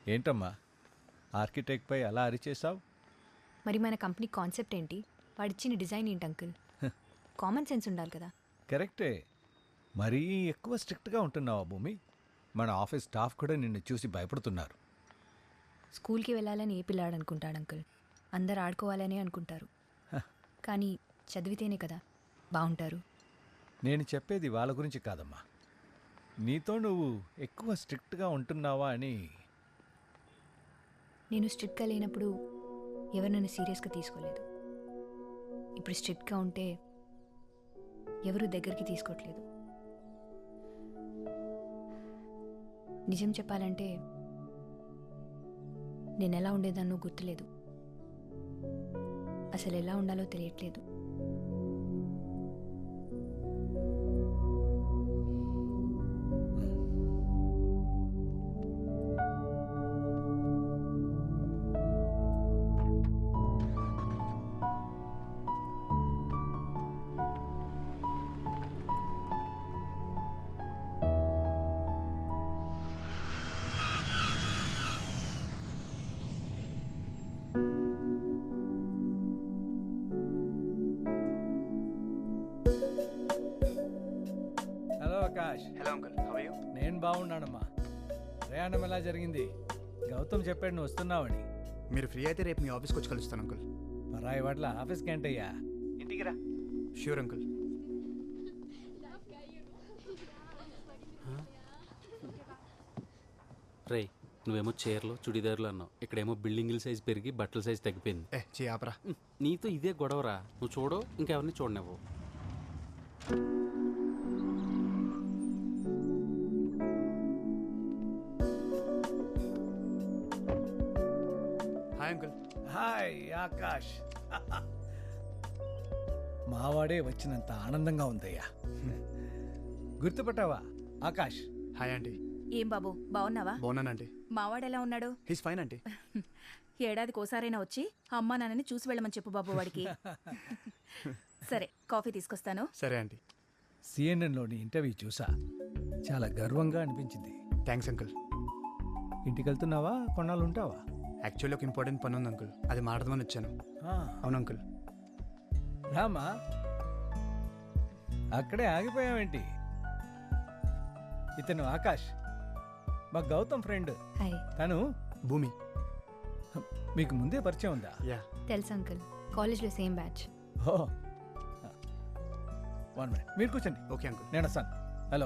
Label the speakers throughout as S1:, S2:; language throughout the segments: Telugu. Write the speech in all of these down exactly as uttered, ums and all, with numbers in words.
S1: ఏంటమ్మా ఆర్కిటెక్ట్పై అలా అరిచేసావు?
S2: మరి మన కంపెనీ కాన్సెప్ట్ ఏంటి? వాడిచ్చిన డిజైన్ ఏంటి అంకుల్? కామన్ సెన్స్ ఉండాలి కదా.
S1: కరెక్టే, మరీ ఎక్కువ స్ట్రిక్ట్గా ఉంటున్నావా భూమి? మన ఆఫీస్ స్టాఫ్ కూడా నిన్ను చూసి భయపడుతున్నారు.
S2: స్కూల్కి వెళ్ళాలని ఏ పిల్లాడు అనుకుంటాడు అంకుల్? అందరు ఆడుకోవాలనే అనుకుంటారు. కానీ చదివితేనే కదా బాగుంటారు.
S1: నేను చెప్పేది వాళ్ళ గురించి కాదమ్మా, నీతో నువ్వు ఎక్కువ స్ట్రిక్ట్గా ఉంటున్నావా అని.
S2: నేను స్ట్రిక్ట్గా లేనప్పుడు ఎవరు నన్ను సీరియస్గా తీసుకోలేదు. ఇప్పుడు స్ట్రిక్ట్గా ఉంటే ఎవరు దగ్గరికి తీసుకోవట్లేదు. నిజం చెప్పాలంటే నేను ఎలా ఉండేదాన్నో గుర్తులేదు. అసలు ఎలా ఉండాలో తెలియట్లేదు.
S1: Hello Akash.
S3: Hello uncle, how are you?
S1: నేను బాగున్నానమ్మా. ప్రయాణం ఎలా జరిగింది? గౌతమ్ చెప్పాడు నువ్వు వస్తున్నావని.
S3: మీరు ఫ్రీ అయితే రేపు మీ ఆఫీస్కి వచ్చి కలుస్తాను అంకుల్.
S1: పరాయి వాట్ల ఆఫీస్కి ఏంటయ్యా, ఇంటికి రా.
S3: Sure uncle.
S4: రే, నువ్వేమో చీరలు చుడిదారులు అన్నావు, ఇక్కడేమో బిల్డింగుల సైజ్ పెరిగి బట్టల సైజ్ తగ్గిపోయింది.
S3: ఏ చే ఆపరా.
S4: నీతో ఇదే గొడవరా. నువ్వు చూడు, ఇంకెవరిని చూడనివ్వు.
S3: Hi uncle.
S1: హాయ్ ఆకాష్. మావాడే వచ్చినంత ఆనందంగా ఉందయ్యా. గుర్తుపట్టావా ఆకాష్?
S3: Hi aunty.
S5: ఏం బాబు, బాగున్నావా?
S3: బాగున్నానంటీ.
S5: మావాడెలా ఉన్నాడు?
S3: He's fine aunty.
S5: ఏడాదికి ఓసారైనా వచ్చి అమ్మా నాన్నని చూసి వెళ్ళమని చెప్పు బాబు వాడికి. సరే, కాఫీ తీసుకొస్తాను.
S3: సరే ఆంటీ.
S1: సిఎన్ఎన్లోని ఇంటర్వ్యూ చూసా, చాలా గర్వంగా అనిపించింది.
S3: Thanks uncle.
S1: ఇంటికి వెళ్తున్నావా, కొన్నాళ్ళు ఉంటావా?
S3: యాక్చువల్లీ ఒక ఇంపార్టెంట్ పని ఉంది అంకుల్, అది మాట్లాడదామని వచ్చాను.
S1: ఆ,
S3: అవును అంకుల్.
S1: రామా, అక్కడే ఆగిపోయావేంటి? ఇతను ఆకాష్, మా గౌతమ్ ఫ్రెండ్.
S2: హాయ్.
S1: తను
S3: భూమి.
S1: మీకు ముందే పరిచయం ఉందా?
S3: యా.
S2: తెలుసు అంకుల్, కాలేజ్లో same batch.
S1: Oh, one minute, మీరు కూర్చోండి.
S3: Okay uncle.
S1: నేను వస్తాను. హలో.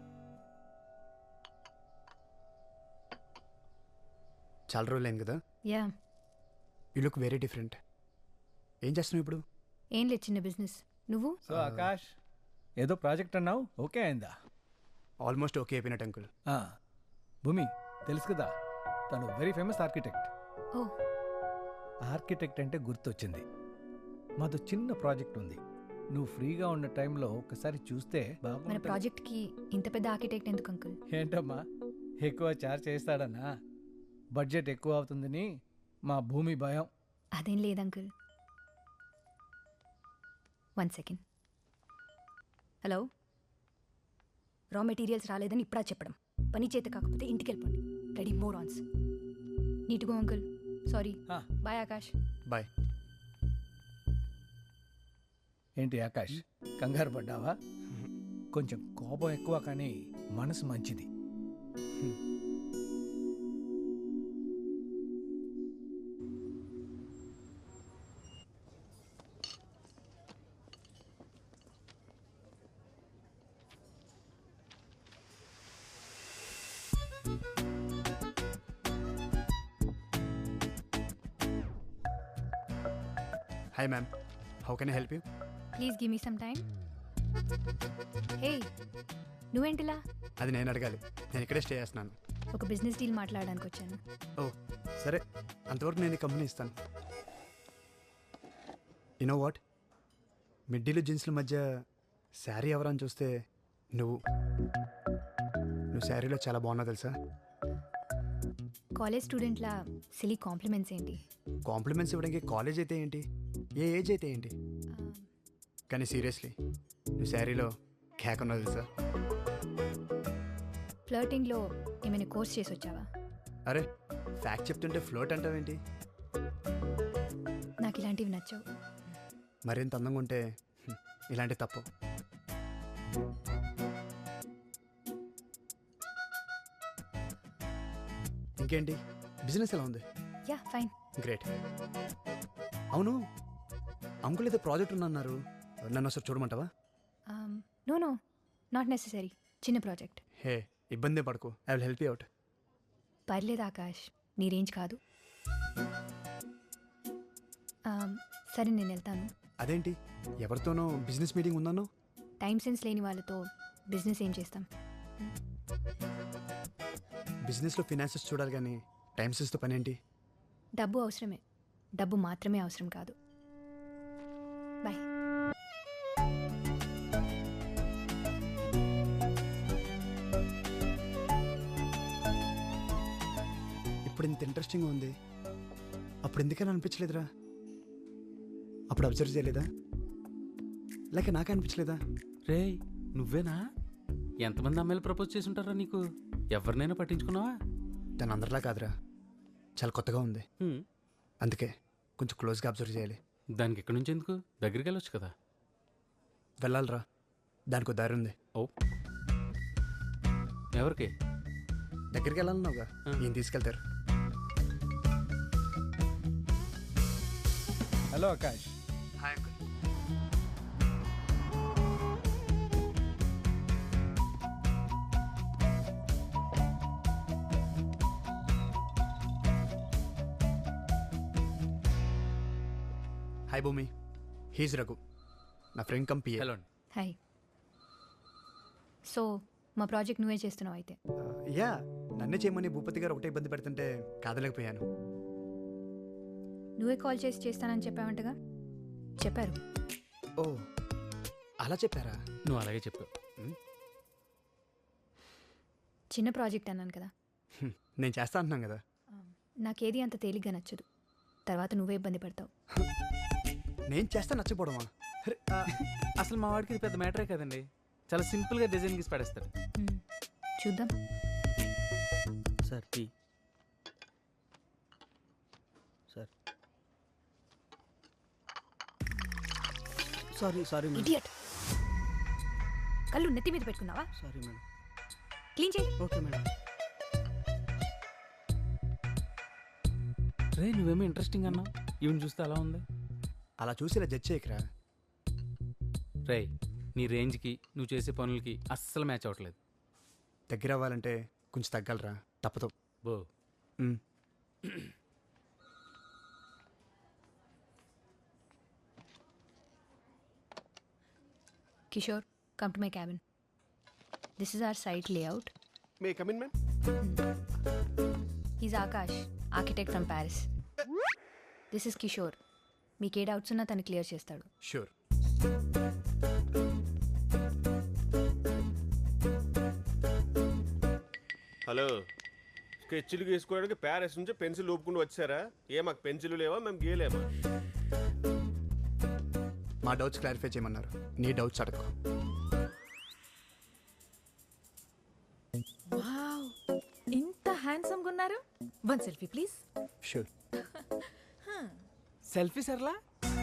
S3: చాలా రోజులు అయింది కదా.
S2: Yeah.
S3: You look very different. ఏం చేస్తున్నావు ఇప్పుడు?
S2: ఏం లేదు, చిన్న బిజినెస్. నువ్వు?
S1: సో ఆకాష్, ఏదో ప్రాజెక్ట్ అన్నావు, ఓకే అయిందా?
S3: ఆల్మోస్ట్ ఓకే అయిపోయినట్టు అంకుల్.
S1: ఆ, భూమి తెలుసు కదా, తను very famous architect.
S2: Oh.
S1: Architect అంటే గుర్తొచ్చింది, మాతో చిన్న ప్రాజెక్ట్ ఉంది. నువ్వు ఫ్రీగా ఉన్న టైంలో ఒకసారి చూస్తే
S2: మన
S1: బాగుంటుంది.
S2: ప్రాజెక్ట్కి ఇంత పెద్ద ఆర్కిటెక్ట్ ఎందుకు అంకుల్?
S1: ఏంటమ్మా, ఎక్కువ చార్జ్ చేస్తాడన్నా? బడ్జెట్ ఎక్కువ అవుతుందని మా భూమి భయం.
S2: అదేం లేదు uncle. One second. Hello. Raw materials రాలేదని ఇప్పుడా చెప్పడం, పని చేత కాకపోతే ఇంటికి వెళ్ళిపోండి. రెడీ మోర్ ఆన్స్. నీట్గా అంకుల్. సారీ.
S1: ఆ.
S2: బాయ్ ఆకాష్.
S3: బాయ్.
S1: ఏంటి ఆకాష్, కంగారు పడ్డావా? కొంచెం కోపం ఎక్కువ, కానీ మనసు మంచిది.
S3: Hi ma'am, how can I help you?
S2: Please give me some time. Hey, నువ్వేంటిలా?
S3: అది నేను అడగాలి, నేను ఇక్కడే స్టే చేస్తున్నాను.
S2: ఒక బిజినెస్ డీల్ మాట్లాడడానికి వచ్చాను.
S3: ఓ సరే, అంతవరకు నేను ఈ కంపెనీ ఇస్తాను. యునో వాట్, మిడ్డీలు జీన్స్ల మధ్య శారీ ఎవరని చూస్తే నువ్వు నువ్వు శారీలో చాలా బాగున్నావు తెలుసా.
S2: కాలేజ్ స్టూడెంట్లా సిలీ కాంప్లిమెంట్స్ ఏంటి?
S3: కాంప్లిమెంట్స్ ఇవ్వడానికి కాలేజ్ అయితే ఏంటి, ఏ ఏజ్ అయితే ఏంటి, కానీ సీరియస్లీ నువ్వు శారీలో కేక్ ఉన్నావు తెలుసా.
S2: ఫ్లర్టింగ్లో ఏమైనా కోర్స్ చేసి వచ్చావా?
S3: అరే ఫ్యాక్ట్ చెప్తుంటే ఫ్లోట్ అంటావేంటి?
S2: నాకు ఇలాంటివి నచ్చవు.
S3: మరింత అందంగా ఉంటే హ్మ్, ఇలాంటి తప్పు. ఇంకేంటి బిజినెస్ ఎలా ఉంది?
S2: Yeah fine.
S3: గ్రేట్. అవును, అంకుల్ ఏదో ప్రాజెక్ట్ ఉందన్నారు, నన్ను ఒకసారి చూడమంటావా?
S2: No no not necessary. చిన్న ప్రాజెక్ట్.
S3: హే ఇబ్బంది పడకు, I will help you out.
S2: పర్లేదు ఆకాష్, నీ రేంజ్ కాదు. Um, సరే నేను వెళ్తాను.
S3: అదేంటి ఎవరితోనో బిజినెస్ మీటింగ్ ఉందన్నో?
S2: టైం సెన్స్ లేని వాళ్ళతో బిజినెస్ ఏం చేస్తాం?
S3: బిజినెస్లో ఫినాన్సెస్ చూడాలి కానీ టైం సెన్స్తో పని ఏంటి?
S2: డబ్బు అవసరమే, డబ్బు మాత్రమే అవసరం కాదు. బాయ్.
S3: ఇప్పుడు ఇంత ఇంట్రెస్టింగ్గా ఉంది, అప్పుడు ఎందుకని అనిపించలేదురా? అప్పుడు అబ్జర్వ్ చేయలేదా? లేక నాకే అనిపించలేదా?
S4: రే నువ్వేనా? ఎంతమంది అమ్మాయిలు ప్రపోజ్ చేసి ఉంటారా నీకు? ఎవరినైనా పట్టించుకున్నావా?
S3: దాని అందరిలా కాదురా, చాలా కొత్తగా ఉంది,
S4: హ్మ్.
S3: అందుకే కొంచెం క్లోజ్గా అబ్జర్వ్ చేయాలి.
S4: దానికి ఎక్కడి నుంచి ఎందుకు? దగ్గరికి వెళ్ళొచ్చు కదా.
S3: వెళ్ళాలిరా, దానికి దారి ఉంది.
S4: ఓ ఎవరికి?
S3: దగ్గరికి వెళ్ళాలన్నావుగా,
S4: ఆ.
S3: ఏం తీసుకెళ్తారు?
S1: Hello Akash.
S3: Hi uncle. Hi Bhoomi, he's Raghu, నా ఫ్రెండ్ కంపీ.
S4: హలో.
S2: హాయ్. సో మా ప్రాజెక్ట్ నువ్వే చేస్తున్నావు అయితే?
S3: యా, నన్నే చేయమని భూపతి గారు ఒకటే ఇబ్బంది పెడుతుంటే కాదలేకపోయాను.
S2: నువ్వే కాల్ చేసి చేస్తానని చెప్పావంటగా? చెప్పారు.
S3: ఓ అలా చెప్పారా?
S4: నువ్వు అలాగే చెప్పావు.
S2: చిన్న ప్రాజెక్ట్ అన్నాను కదా.
S3: హ్మ్, నేను చేస్తా అంటున్నాను కదా.
S2: నాకేది అంత తేలిగ్గా నచ్చదు, తర్వాత నువ్వే ఇబ్బంది పడతావు.
S3: నేను చేస్తా నచ్చపోవడమా? అరే,
S4: ఆ, అసలు మా వాడికి ఇది పెద్ద మ్యాటరే కదండి. చాలా సింపుల్గా డిజైన్ గీసి పడేస్తాడు.
S2: మ్మ్. చూద్దాం.
S6: Sir tea sir. Sorry sorry madam.
S2: Idiot. కళ్ళు నెత్తి మీద పెట్టుకున్నావా?
S6: Sorry madam.
S2: క్లీన్ చేయి.
S6: Okay madam.
S4: రే నువ్వేమో ఇంట్రెస్టింగ్ అన్నావు, ఈవెన్ చూస్తే అలా ఉంది.
S3: అలా చూసి ఇలా జడ్జ్ చేయకరా.
S4: రే నీ రేంజ్కి నువ్వు చేసే పనులకి అస్సలు మ్యాచ్ అవ్వట్లేదు.
S3: దగ్గర అవ్వాలంటే కొంచెం తగ్గలరా, తప్పదు.
S4: బో
S3: మ్.
S2: Kishore, come to my cabin. This is our site layout.
S7: May come in ma'am.
S2: Is Akash, architect from Paris. This is Kishore. మీకు ఏ డౌట్స్ ఉన్నా తను క్లియర్ చేస్తాడు.
S3: షూర్.
S7: హలో, స్కెచ్లు గీసుకోవడానికి ప్యారిస్ నుంచి పెన్సిల్ ఊపుకుంటూ వచ్చారా? ఏ మాకు పెన్సిల్ లేవా, మేము గీయలేమా?
S3: మా డౌట్స్ క్లారిఫై చేయమన్నారు, నీ డౌట్స్ అడగ.
S5: వావ్, ఇంత హ్యాండ్సమ్గా ఉన్నారు. One selfie please.
S3: Sure.
S4: Selfie Sarla.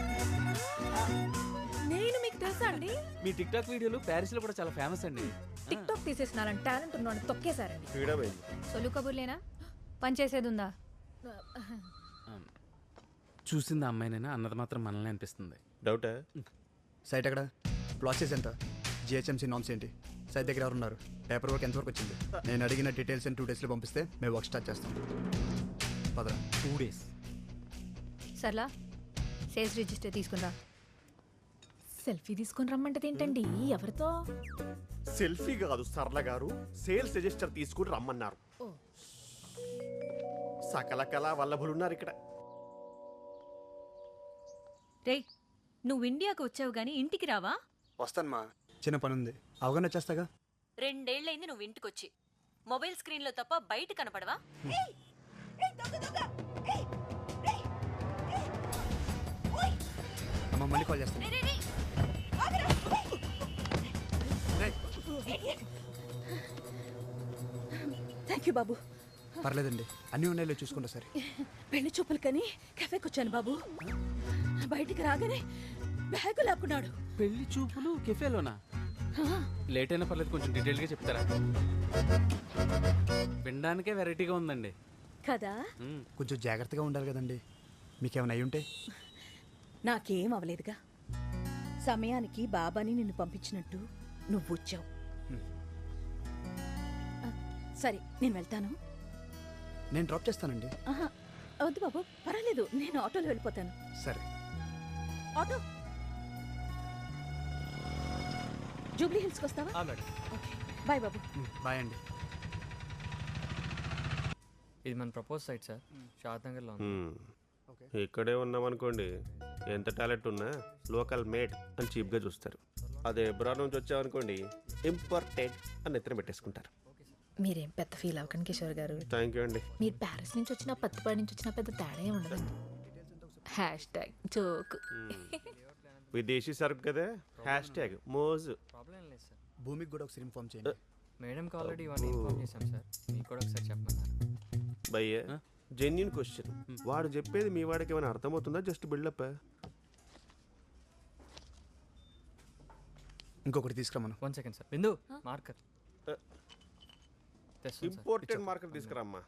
S5: నేను మీకు తెలుసా అండి?
S4: మీ టిక్ టాక్ వీడియోలు ప్యారిస్లో కూడా చాలా ఫేమస్ అండి.
S5: టిక్ టాక్ తీసేసినారని టాలెంట్ ఉన్నాను తొక్కేశారండి.
S7: ఫ్రీడమ్ అయింది.
S2: సొల్లు కబుర్లేనా? పని చేసేది ఉందా?
S4: చూసింది ఆ అమ్మాయినైనా అన్నది మాత్రం మనల్ని అనిపిస్తుంది.
S7: డౌటా?
S3: సైట్ ఎక్కడ? ప్రాసెస్ ఎంత? జిహెచ్ఎంసీ నామ్స్ ఏంటి? సైట్ దగ్గర ఎవరు ఉన్నారు? పేపర్ వర్క్ ఎంతవరకు వచ్చింది? నేను అడిగిన డీటెయిల్స్ టూ డేస్లో పంపిస్తే మేము వర్క్ స్టార్ట్ చేస్తాం. పదరా.
S4: Two days
S2: Sarla, sales register తీసుకుందా.
S5: సెల్ఫీ తీసుకొని రమ్మంటది ఏంటండి? ఎవరితో?
S7: సెల్ఫీ కాదు సరళ గారు, సేల్స్ రిజిస్టర్ తీసుకుని రమ్మన్నారు.
S5: ఓ.
S7: సకల కళా వల్లభులు ఉన్నారు ఇక్కడ.
S8: రేయ్, నువ్వు ఇండియాకు వచ్చావు గానీ ఇంటికి రావా?
S3: వస్తాను మా, చిన్న పని ఉంది, అవగాహన వచ్చేస్తాగా.
S8: రెండేళ్లైంది నువ్వు ఇంటికొచ్చి. మొబైల్ స్క్రీన్లో తప్ప బయట కనపడవా?
S3: అమ్మ మళ్ళీ కాల్ చేస్తాను.
S5: థ్యాంక్ యూ బాబు.
S3: పర్లేదండి, అన్నీ ఉన్నాయో చూసుకుంటా సరే.
S5: పెళ్లి చూపులకని కెఫేకి వచ్చాను బాబు. బయటికి రాగానే బ్యాగు లాక్కున్నాడు.
S4: పెళ్లి చూపులు కెఫేలోనా? లేట్ అయినా పర్లేదు, కొంచెం డీటెయిల్గా చెప్తారా? వినడానికే వెరైటీగా ఉందండి
S5: కదా.
S4: మ్మ్.
S3: కొంచెం జాగ్రత్తగా ఉండాలి కదండి, మీకేమైనా అయి ఉంటే.
S5: నాకేం అవలేదుగా. సమయానికి బాబాని నిన్ను పంపించినట్టు నువ్వు వచ్చావు. ఆ, సరే నేను వెళ్తాను.
S3: నేను డ్రాప్ చేస్తానండి.
S5: ఆహా, వద్దు బాబు, పర్వాలేదు, నేను ఆటోలో వెళ్ళిపోతాను.
S3: సరే.
S5: ఆటో జూబ్లీ హిల్స్కి వస్తావా?
S3: మేడం.
S5: ఓకే, బాయ్ బాబు.
S3: బాయ్ అండి.
S6: ఇది మన ప్రపోజ్ సైట్ సార్, షాద్ నగర్లో ఉంది.
S7: మ్మ్. ఇక్కడే ఉన్నామనుకోండి, ఎంత టాలెంట్ ఉన్నా లోకల్ మేడ్ అని చీప్గా చూస్తారు. అదే ఎబ్రాడ్ నుంచి వచ్చామనుకోండి, ఇంపార్టెంట్ అని ఎత్తున పెట్టేసుకుంటారు.
S9: మీరేం పెద్ద ఫీల్ అవ్వకండి కిషోర్ గారు.
S7: థ్యాంక్ యూ అండి.
S9: మీరు ప్యారిస్ నుంచి వచ్చినా పత్తిపాడి నుంచి వచ్చినా పెద్ద తేడా ఏమి ఉండదండి. Hashtag joke.
S7: విదేశీ సరుకు కదా, హ్యాష్ ట్యాగ్ మోజు.
S6: ప్రాబ్లం ఏం లేదు సార్.
S3: భూమికి కూడా ఒకసారి ఇన్ఫార్మ్ చేయండి.
S6: మేడంకి ఆల్రెడీ ఇవన్నీ ఇన్ఫార్మ్ చేశాం సార్, మీకు కూడా ఒకసారి చెప్పమన్నారు.
S7: భయ్య జెన్యున్ క్వశ్చన్, వాడు చెప్పేది మీ వాడికి ఏమైనా అర్థమవుతుందా, జస్ట్ బిల్డప్?
S3: ఇంకొకటి తీసుకురామను.
S6: One second sir. Bindu marker తెస్తాను సార్.
S7: ఇంపార్టెంట్ మార్కెట్ తీసుకురామ్మా.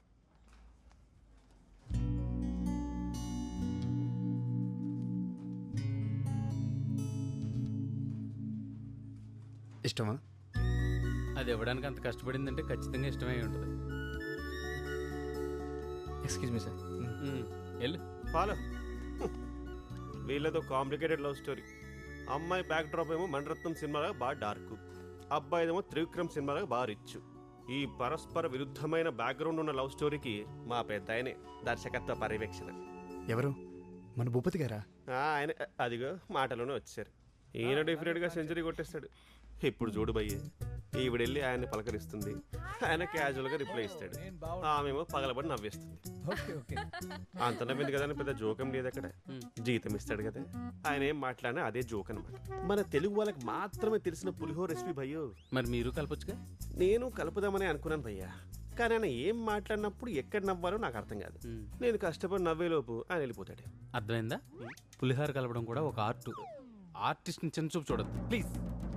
S3: ఇష్టమా?
S4: అది ఇవ్వడానికి అంత కష్టపడిందంటే ఖచ్చితంగా ఇష్టమై ఉంటుంది.
S6: Excuse me sir.
S4: మ్మ్. వెళ్ళు.
S7: ఫాలో. వీళ్ళతో కాంప్లికేటెడ్ లవ్ స్టోరీ. అమ్మాయి బ్యాక్ డ్రాప్ ఏమో మణరత్నం సినిమాలో బాగా డార్క్, అబ్బాయిదేమో త్రివిక్రమ్ సినిమాలో బాగా రిచ్. ఈ పరస్పర విరుద్ధమైన బ్యాక్గ్రౌండ్ ఉన్న లవ్ స్టోరీకి మా పెద్ద ఆయనే దర్శకత్వ పర్యవేక్షణ.
S3: ఎవరు? మన భూపతి గారా?
S7: ఆ, ఆయన అదిగో మాటలోనే వచ్చారు. ఈయన డెఫినెట్గా సెంచరీ కొట్టేస్తాడు. ఇప్పుడు చూడు భయ్య, ఈవిడెళ్ళి ఆయన్ని పలకరిస్తుంది, ఆయన క్యాజువల్గా రిప్లై ఇస్తాడు, ఆమెమో పగలబడి నవ్వేస్తుంది.
S1: Okay okay.
S7: అంత నవ్వింది కదా అని పెద్ద జోకం లేదు అక్కడ. జీతం ఇస్తాడు కదా, ఆయన ఏం మాట్లాడినా అదే జోక్ అనమాట. మన తెలుగు వాళ్ళకి మాత్రమే తెలిసిన పులిహోర రెసిపీ భయ్యో.
S4: మరి మీరు కలపొచ్చుగా.
S7: నేను కలుపుదామని అనుకున్నాను భయ్యా, కానీ ఆయన ఏం మాట్లాడినప్పుడు ఎక్కడ నవ్వాలో నాకు అర్థం కాదు. నేను కష్టపడి నవ్వేలోపు ఆయన వెళ్ళిపోతాడు.
S4: అర్థమైందా? పులిహార కలపడం కూడా ఒక ఆర్ట్. ఆర్టిస్ట్ని చిన్న చూపు చూడద్దు ప్లీజ్.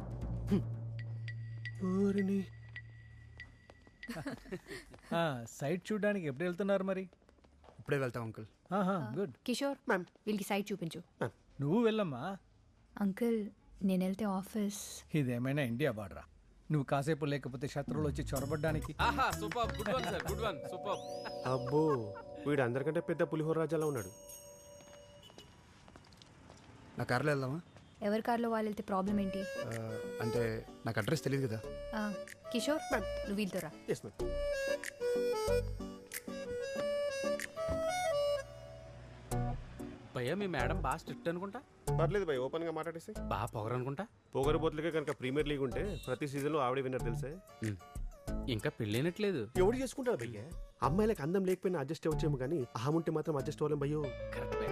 S1: సైట్ చూడడానికి ఎప్పుడు వెళ్తున్నారు మరి?
S3: ఇప్పుడే వెళ్తాం అంకుల్.
S1: గుడ్.
S2: కిషోర్,
S7: మ్యామ్.
S2: వీళ్ళకి సైట్ చూపించు.
S1: నువ్వు వెళ్ళమ్మా.
S2: అంకుల్, నేను వెళ్తే ఆఫీస్.
S1: ఇదేమైనా ఇండియా బార్డరా? నువ్వు కాసేపు లేకపోతే శత్రువులు వచ్చి చొరబడ్డానికి.
S4: ఆహా super, good one sir, good one, super.
S7: అబ్బో, వీడు అందరికంటే పెద్ద పులిహోర రాజాలా ఉన్నాడు.
S3: నా కార్లో వెళ్దామా?
S2: ఎవరి కార్లో వాళ్ళు వెళ్తే ప్రాబ్లం ఏంటి?
S3: ఆ, అంటే నాకు అడ్రస్ తెలియదు కదా.
S2: ఆ, కిషోర్, నువ్వు వీళ్ళతో రా.
S7: Yes ma'am.
S4: భయ్యా మీ మేడం బాగా స్ట్రిక్ట్ అనుకుంటా.
S7: పర్లేదు భయ్, ఓపెన్గా మాట్లాడేసి.
S4: బాగా పొగరు అనుకుంటా.
S7: పొగరు బోతులకే కనుక ప్రీమియర్ లీగ్ ఉంటే ప్రతి సీజన్లో ఆవిడే విన్నర్ తెలుసా?
S4: ఇంకా పెళ్ళైనట్లేదు.
S7: ఎవడు చేసుకుంటాడు భయ్య? అమ్మాయిలకు అందం లేకపోయినా అడ్జస్ట్ అవ్వచ్చేమో కానీ అహం ఉంటే మాత్రం అడ్జస్ట్ అవ్వలేం భయ్యో.
S4: కరెక్ట్.